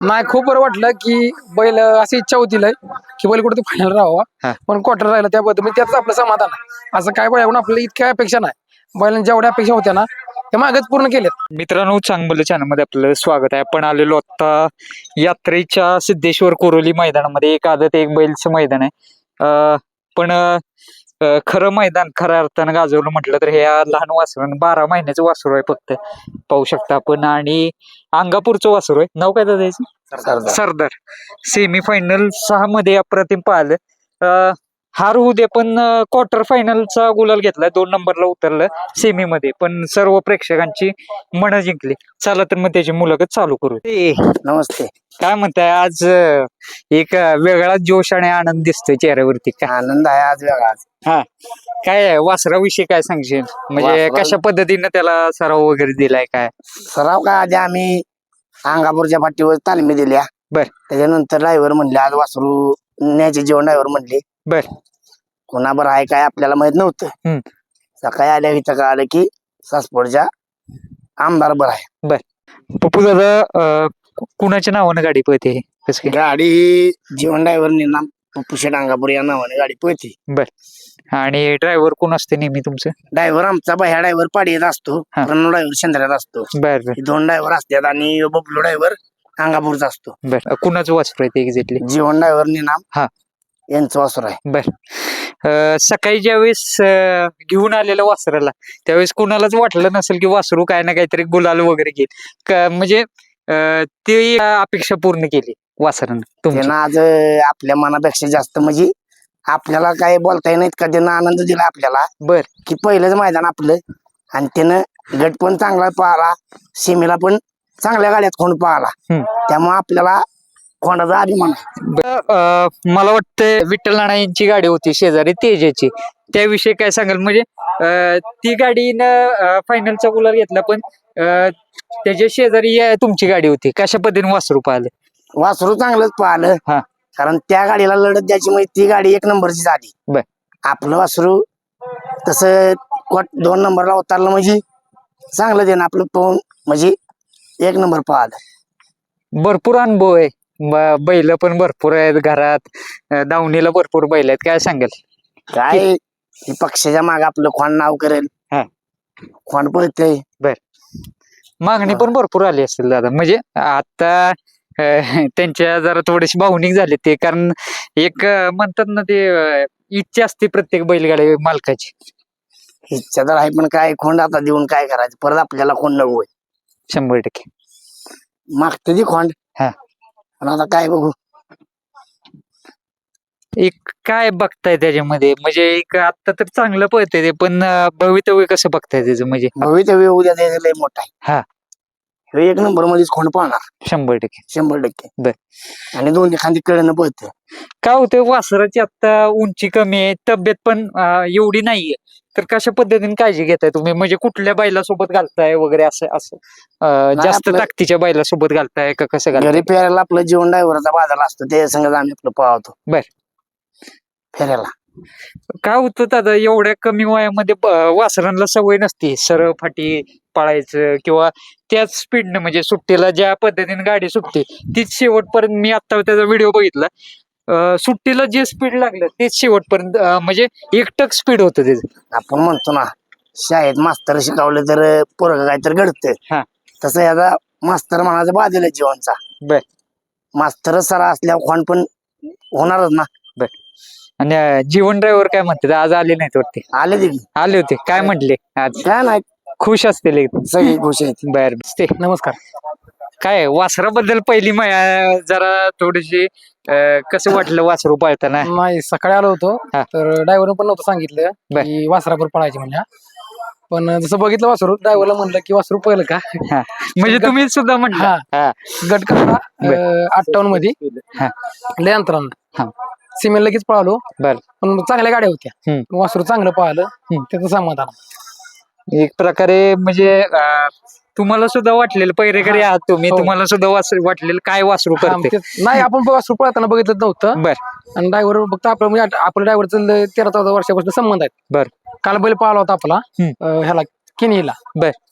नाही, खूप बरं वाटलं की बैल अशी इच्छा होती लय की बैल कुठे फायनल हा. राहावा, पण क्वार्टर राहिलं त्याबद्दल म्हणजे त्यातच आपलं समाधान आहे. असं काय बैलाकडून आपल्याला इतक्या अपेक्षा नाही, बैलांच्या जेवढ्या अपेक्षा होत्या ना त्या मागच पूर्ण केल्यात. मित्रांनो, चांगलं चॅनलमध्ये आपलं स्वागत आहे. आपण आलेलो आता यात्रेच्या सिद्धेश्वर कोरोली मैदानामध्ये. एक आदत एक बैलचं मैदान आहे. पण खरं मैदान खऱ्या अर्थानं गाजवलं म्हटलं तर हे लहान वासरू 12 महिन्याचं वासरू आहे फक्त. पाहू शकता आपण. आणि अंगापूरचं वासरू आहे. नाव काय त्याचं? सरदार. सेमी फायनल 6 मध्ये अप्रतिम पाहिलं. हार होऊ दे, पण क्वार्टर फायनलचा गुलाल घेतला. 2 नंबरला उतरलं सेमी मध्ये, पण सर्व प्रेक्षकांची मनं जिंकली. चला तर मग त्याची मुलाखत चालू करू. नमस्ते. काय म्हणताय आज? एक वेगळा जोश आणि आनंद दिसतोय चेहऱ्यावरती. काय आनंद आहे आज वेगळाच. हा, काय आहे वासराविषयी काय सांगशील? म्हणजे वासरा- कशा पद्धतीने त्याला सराव वगैरे दिलाय काय? सराव काय आधी आम्ही अंगापूरच्या पाठीवर तालमी दिल्या. बर. त्याच्यानंतर ड्रायव्हर म्हणले आज वासरू न्यायचे जेवण. ड्रायव्हर म्हणले बर. कोणाबर आहे काय आपल्याला माहित नव्हतं. सकाळी आल्या इथं कळालं की सासवडच्या आमदार बर आहे. पप्पू दादा, कुणाच्या नावानं गाडी पळते? कसं काय? गाडी ही जीवन ड्रायव्हर नाम पुशेट अंगापूर या नावाने गाडी पळते. आणि ड्रायव्हर कोण असते नेहमी तुमचं? ड्रायव्हर आमचा बाह्या ड्रायव्हर पाडीत असतो. हा. रणू ड्रायव्हर शेंद्र्यात असतो. बर. हे 2 ड्रायव्हर असतात आणि बबलू ड्रायव्हर अंगापूरचा असतो. बर, कुणाचं वासरू आहे ते एक्झॅक्टली? जीवन ड्रायव्हर नाम हा. यांचं वासर आहे. सकाळी ज्यावेळेस घेऊन आलेलं वासराला, त्यावेळेस कुणालाच वाटलं नसेल की वासरू काय ना काहीतरी गुलाल वगैरे घेईल. म्हणजे ती अपेक्षा पूर्ण केली वासरानं तुमच्या? त्यानं आज आपल्या मनापेक्षा जास्त म्हणजे आपल्याला काय बोलता येईल इतका त्यानं आनंद दिला आपल्याला. बर. की पहिलंच मैदान आपलं आणि त्यानं गट पण चांगला पाहला, सीमेला पण चांगल्या गाड्यात खोंड पाहला. त्यामुळे आपल्याला खोंडाचा अभिमान आहे. मला वाटतं विठ्ठल नाना यांची गाडी होती शेजारी तेजाची, त्याविषयी काय सांगाल? म्हणजे ती गाडीनं फायनलचा गुलाल घेतला, पण त्याच्या शेजारी तुमची गाडी होती. कशा पद्धतीने वासरू पाहिलं? वासरू चांगलंच पाहलं. हा. कारण त्या गाडीला लढत द्यायची म्हणजे ती गाडी 1 नंबरची झाली. बर. आपलं वासरू तसं 2 नंबरला उतरलं म्हणजे चांगलं देणं आपलं पाहून म्हणजे 1 नंबर पाहिलं. भरपूर अनुभव आहे. बैल पण भरपूर आहेत घरात, दावणीला भरपूर बैल आहेत. काय सांगाल? काय हे पक्षाच्या मागे आपलं खोंड नाव करेल. हा. खोंड पळतंय. मागणी पण भरपूर आली असेल दादा. म्हणजे आता त्यांच्या जरा थोडेसे भावनिक झाले ते, कारण एक म्हणतात ना ते इच्छा असते प्रत्येक बैलगाडी मालकाची. इच्छा तर आहे, पण काय खोंड आता देऊन काय करायचं? परत आपल्याला खोंड नको. 100% मागते ती खोंड. हा. पण आता काय बघू. एक काय बघताय त्याच्यामध्ये? म्हणजे एक आता तर चांगलं पळतंय ते, पण भवितव्य कसं बघताय त्याचं? म्हणजे भवितव्य उद्या द्यायचं लय मोठा आहे. हा. हे 1 नंबर मध्येच खोंड पाहणार 100%. 100%. बर. आणि 2 खांदी कळणं पळतं. काय होतं, वासराची आता उंची कमी आहे, तब्येत पण एवढी नाहीये, तर कशा पद्धतीने काळजी घेताय तुम्ही? म्हणजे कुठल्या बैलासोबत घालताय वगैरे असं असं जास्त आपलं- ताकदीच्या बैलासोबत घालताय का कसं घालताय? घरी फेरायला आपलं जीवन ड्रायव्हरचा बाजार असतो, ते संगत आम्ही आपलं पाहतो. बर. फेरायला काय होतं दादा, एवढ्या कमी वयामध्ये वासरांना सवय नसते सरळ फाटी पळायचं किंवा त्याच स्पीडनं, म्हणजे सुट्टीला ज्या पद्धतीने गाडी सुटते तीच शेवटपर्यंत. मी आता त्याचा व्हिडिओ बघितला, सुट्टीला जे स्पीड लागलं तेच शेवटपर्यंत, म्हणजे एकटक स्पीड होतं त्याचं. आपण म्हणतो ना शाळेत मास्तर शिकवलं तर पोरग काय तर घडतं. हा. तसं याचा मास्तर म्हणायचं बाजूला जीवनचा. बर. मास्तर सरा असल्यावर खोंड पण होणारच ना. आणि जीवन ड्रायव्हर काय म्हणतात? आज आले नाहीत वाटते? आले ते आले होते. काय म्हटले आज? काय नाही, खुश असतील एकदम. सगळी खुश आहेत. बर. ते नमस्कार. काय वासराबद्दल पहिली जरा थोडीशी कसं वाटलं वासरू पाळताना? नाही, सकाळी आलो होतो हा. तर ड्रायव्हरने पण नव्हतं सांगितलं बर. की वासरावर पळायचे म्हणजे. पण जसं बघितलं वासरू, ड्रायव्हरला म्हणलं की वासरू पहिलं का. म्हणजे तुम्ही सुद्धा म्हटलं? हा. हा. गट कसा बर. 58 मध्ये हा. लय अंतरानं. हा. सीमेला लगेच पळालो, बर. पण चांगल्या गाड्या होत्या. हम्म. वासरू चांगलं पाहिलं, त्याचं समाधान. एक प्रकारे म्हणजे तुम्हाला सुद्धा वाटलेलं पहिरेकरी आहात तुम्ही, हो. तुम्हाला सुद्धा वाटलेलं काय वासरू हा, करते? नाही, आपण वासरू पळताना बघितलं नव्हतं. बर. आणि ड्रायव्हर फक्त आपलं म्हणजे आपल्या ड्रायव्हरचं 13-14 वर्षापासून संबंध आहेत. बर. काल बैल पाहिला होता आपला ह्याला किनीला. बर.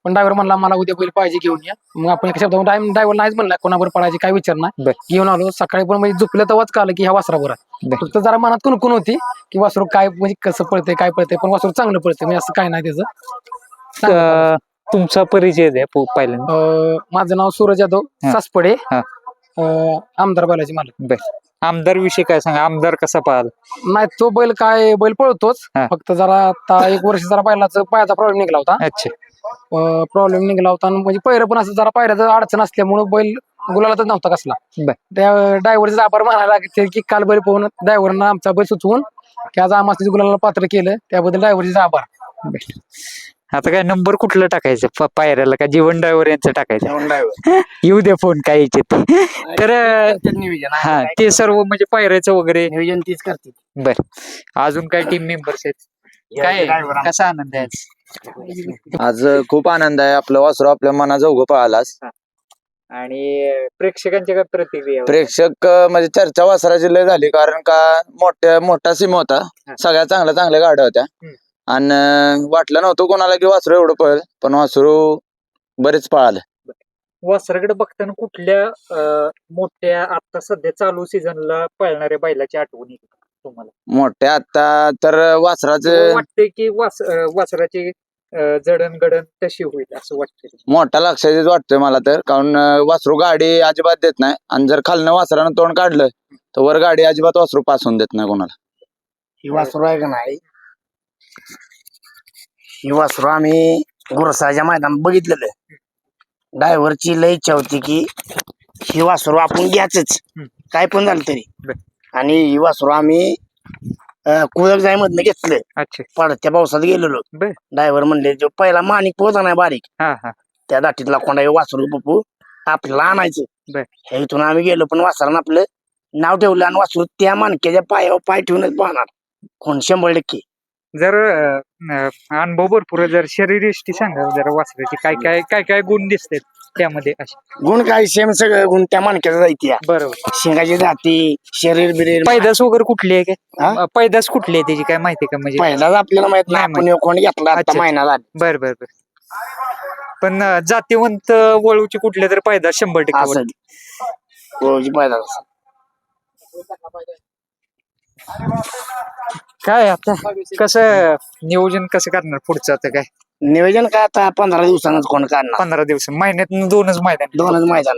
पण ड्रायव्हर म्हणला मला उद्या बैल पाहिजे घेऊन या. मग आपण एका शब्दावर ड्रायव्हर नाहीच म्हणला, कोणावर पळायची काय विचार नाही. बर. घेऊन आलो. सकाळी पण म्हणजे झोपलं तेव्हाच कळलं की ह्या वासरावर आहे. बर. फक्त जरा मनात कुणकुण होती की वासरू काय म्हणजे कसं पळतंय काय पळतंय, पण वासरू चांगलं पळतंय म्हणजे असं काय नाही त्याचं. तुमचा परिचय द्या पहिल्यांदा. माझं नाव सूरज यादव हा. सासपडे, हा. आमदार बैलाचे मालक. आमदार विषयी काय सांगा, आमदार कसा पाहिला? नाही तो बैल पळतोच, हा. फक्त जरा आता एक वर्ष जरा बैलाचा पायाचा प्रॉब्लेम निघाला होता. अच्छा. प्रॉब्लेम निघाला होता आणि म्हणजे पहिलं पण असं जरा पायऱ्याचं अडचण असल्यामुळे बैल गुलालातच नव्हता कसला. बर. त्या ड्रायव्हरचा आभार मानायला लागते की काल बैल पाहून ड्रायव्हरनं आमचा बैल सुचवून की आज आम्हाला गुलाला पात्र केलं, त्याबद्दल ड्रायव्हरचा आभार. आता काय नंबर कुठलं टाकायचं पायऱ्याला, का जीवन ड्रायव्हर यांचं टाकायचं? येऊ द्या फोन काय यायचे तर हा ते सर्व म्हणजे पायऱ्याचं वगैरे नियोजन तीच करते. बर. अजून काय टीम मेंबर्स आहेत काय, कसा आनंद आहे आज? आज खूप आनंद आहे. आपलं वासरू आपल्या मनाचा उगं पळालाच. आणि प्रेक्षकांच्या काय प्रतिक्रिया? प्रेक्षक म्हणजे चर्चा वासराची लय झाली, कारण का मोठा सीम होता, सगळ्या चांगल्या गाड्या होत्या. आणि वाटलं नव्हतं कोणाला की वासरू एवढं पळेल, पण वासरू बरेच पळालं. वासराकडे बघताना कुठल्या मोठ्या आता सध्या चालू सीझनला पळणाऱ्या बैलाची आठवण येते तुम्हाला? मोठ्या आता तर वासराचं वाटते की वासराची जडणघडण तशी होईल असं वाटतं? मोठा लक्षात वाटतोय मला तर, कारण वासरू गाडी अजिबात देत नाही, आणि जर खालनं वासरानं तोंड काढलं तर वर गाडी अजिबात वासरू पासून देत नाही कोणाला. ही वासरू आहे का नाही, ही वासरू आम्ही गुरसाच्या मैदानात बघितलेलं. ड्रायव्हरची लय इच्छा होती की ही वासरू आपण घ्यायच काय पण झालं तरी. आणि ही वासरू आम्ही कुळक जाय मधनं घेतलं. अच्छा. पडत्या पावसात गेलेलो. ड्रायव्हर म्हणले जो पहिला माणिक पोहोचा नाही बारीक, त्या दाटीतला कोंडा वासरू पप्पू आपल्याला आणायचं. ह्या इथून आम्ही गेलो, पण वासरानं आपलं नाव ठेवलं आणि वासरू त्या माणक्याच्या पायावर पाय ठेवूनच पाहणार कोण 100%. जर अनुभव भरपूर, जर शरीरयष्टी सांगा जरा वासराची काय काय काय काय गुण दिसतात त्यामध्ये असे? गुण काय सेम सगळं गुण त्या माणक्याचा जायती. बरोबर. शेंगाची जाती, शरीर बिरीर. पैदास वगैरे कुठली आहे काय? पैदास कुठली आहे त्याची काय माहिती का? म्हणजे पहिलाच आपल्याला माहित नाही, आपण कोण घेतला आता अच्छा. महिना झाला. बर बर बर. पण जातीवंत वळूची कुठल्या तर पैदास 100% असं ओळखी पहिलाच. काय आता कसं नियोजन कसं करणार पुढचं? आता काय नियोजन काय आता 15 दिवसांनाच कोण काढणार. 15 दिवस, महिन्यात 2च मैदान. 2च मैदान.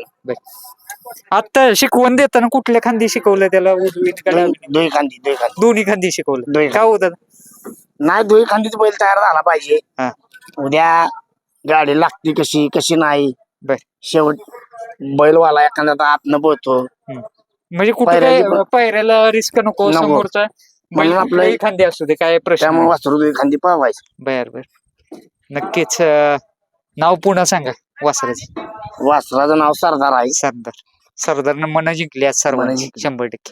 आता शिकवण देताना कुठल्या खांदी शिकवलं त्याला? दोही खांदी. दोन्ही खांदी शिकवलं. काय होतं? नाही, दोही खांदीच बैल तयार झाला पाहिजे. हा. उद्या गाडी लागती कशी नाही. बर. शेवट बैलवाला एखादा आतनं बोलतो. म्हणजे कुठे काय पायऱ्याला रिस्क नको, समोरचा म्हणून आपलं खांदी असू दे, काय प्रश्न. त्यामुळे वासरू दोही खांदी पावायचं. बर बर. नक्कीच. नाव पुन्हा सांगा वासराचं. वासराचं नाव सरदार आहे. सरदारनं मन जिंकली आज सर्वांनी. मन जिंकली.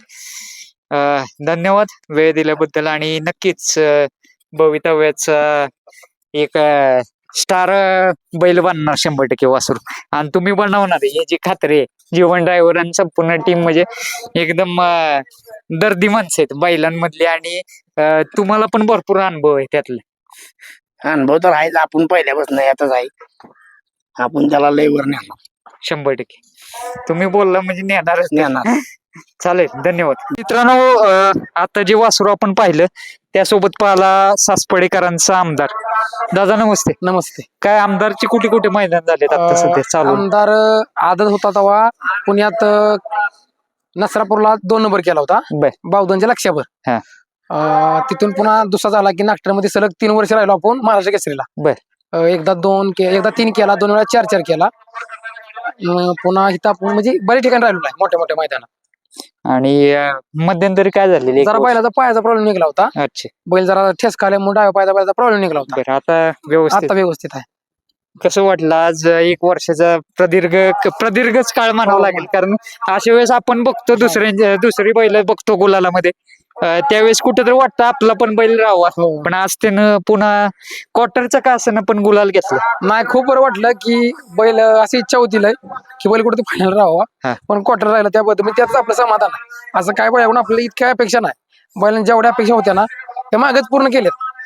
100%. धन्यवाद वेळ दिल्याबद्दल. आणि नक्कीच भवितव्याचा एक स्टार बैल बनणार 100% वासरू, आणि तुम्ही बनवणार याची खात्री आहे. जीवन ड्रायव्हर आणि संपूर्ण टीम म्हणजे एकदम दर्दी माणसं आहेत बैलांमधली, आणि तुम्हाला पण भरपूर अनुभव आहे त्यातला. अनुभव तर आहेच, आपण पहिल्यापासून यातच आहे. आपण त्याला लय वर नेणार 100%. तुम्ही बोलला म्हणजे नेणारच. नेणार. चालेल, धन्यवाद मित्रांनो. आता जे वासरू आपण पाहिलं त्यासोबत पाहिला सासपडेकरांचा आमदार. दादा नमस्ते. नमस्ते. काय आमदारची कुठे कुठे मैदान झालेत आता सध्या चालू? आमदार आदत होता तेव्हा पुण्यात नसरापूरला 2 नंबर केला होता, बावधनच्या लक्षावर. तिथून पुन्हा दुसरा झाला की नागठामध्ये सलग 3 वर्ष राहिलो आपण महाराष्ट्र केसरीला. एकदा 3 केला, 2 वेळा 4 केला. पुन्हा इथं आपण म्हणजे बरेच ठिकाणी राहिलो आहे मोठ्या मोठ्या मैदानात. आणि मध्यंतरी काय झालेलं? जरा बैलाचा पायाचा प्रॉब्लेम निघाला होता. अच्छा. बैल जरा ठेस खाल्यामुळे डाव्या पायाचा प्रॉब्लेम निघाला होता. आता व्यवस्थित आहे. कसं वाटलं आज 1 वर्षाचा प्रदीर्घच काळ म्हणावा लागेल, कारण अशा वेळेस आपण बघतो दुसरी बैल बघतो गुलालामध्ये, त्यावेळेस कुठेतरी वाटतं आपला पण बैल राहावा. पण आज त्यानं पुन्हा क्वार्टरचा का असं पण गुलाल घेतला. नाही, खूप बरं वाटलं की बैल अशी इच्छा होती की बैल कुठे फायनल राहावा, पण क्वार्टर राहिला त्याबद्दल त्यातच आपलं समाधान आहे. असं काय बैल आपल्याला इतक्या अपेक्षा नाही. बैलांनी जेवढ्या अपेक्षा होत्या ना त्या मागच पूर्ण केल्यात.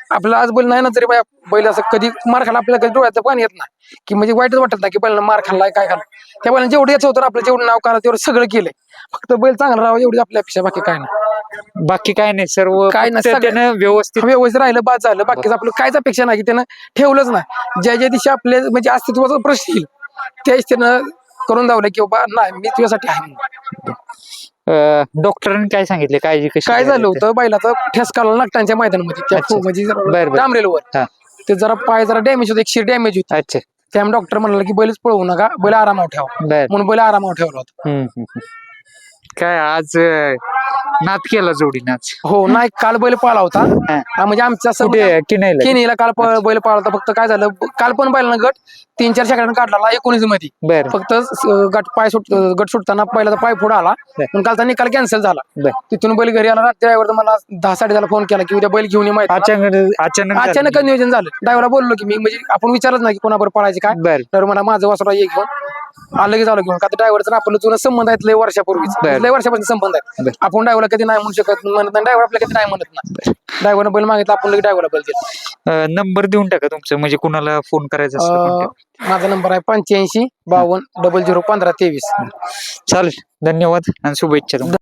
आपल्याला आज बैल नाही ना तरी बैल असं कधी मार खाला आपल्याला कधी डोळ्याचं पाणी येत नाही की म्हणजे वाईटच वाटत नाही की बैलांना मार खाल्लाय काय खाल्लं. त्या बैलांना जेवढं यायचं होतं आपलं जेवढं नाव करा तेवढं सगळं केलंय. फक्त बैल चांगला राहावं एवढी आपल्या अपेक्षा, बाकी काय नाही. बाकी काय नाही, सर्व काय नाही, फक्त त्यानं व्यवस्थित व्यवस्थित राहिलं बाद झालं. बाकीचं आपलं काहीच अपेक्षा नाही की त्यानं ठेवलंच नाही. ज्या दिवशी आपले म्हणजे अस्तित्वाचा प्रश्न येईल त्याच त्यानं करून दावलं की बाबा नाही मी तुझ्यासाठी आहे म्हणून. डॉक्टरांनी काय सांगितले, काळजी कशी काय झालं घ्यायला ते? होतं बैलाचा ठेस काढला नागटांच्या मैदानामध्ये त्या अच्छा. म्हणजे बरं. डांबरेलवर हा. ते जरा पाय जरा डॅमेज होते, एक शिर डॅमेज होती. अच्छा. त्यामुळे डॉक्टर म्हणाला की बैलच पळवू नका, बैल आरामावर ठेवा बर. म्हणून बैल आरामावर ठेवला होता. काय आज नाद केला जोडी नाच. हो नाही काल बैल पाळला होता. हा, म्हणजे आमच्या असं कुठे किनायला? किनीला काल बैल पाळला होता. फक्त काय झालं काल पण बैलानं गट 3-4 सेकंड काढला 19 मध्ये. बर. फक्त गट सुटताना पहिला पाय पुढे आला पण कालचा निकाल कॅन्सल झाला. बर. तिथून बैल घरी आला. रात्री ड्रायव्हर मला 10-10:30 फोन केला की उद्या बैल घेऊन ये माहिती. अचानक नियोजन झालं. ड्रायव्हरला बोललो की मी म्हणजे आपण विचारच नाही की कोणाबरोबर पळायचे काय. बर. तर मला माझं वासरा एक घेऊन लगेच आलो घेऊन. का ड्रायव्हरचा आपलं जुना संबंध आहेत लय वर्षापूर्वीच, लय वर्षापासून संबंध आहे. आपण ड्रायव्हरला कधी नाही म्हणू शकत, म्हणत नाही ड्रायव्हर आपल्याला कधी नाही म्हणत नाही. ड्रायव्हरनं बैल मागितला आपण लगेच ड्रायव्हरला बैल दिला. नंबर देऊन टाका तुमचं, म्हणजे कुणाला फोन करायचा असला माझा नंबर आहे 85 52 00 15 23. चालेल. धन्यवाद आणि शुभेच्छा.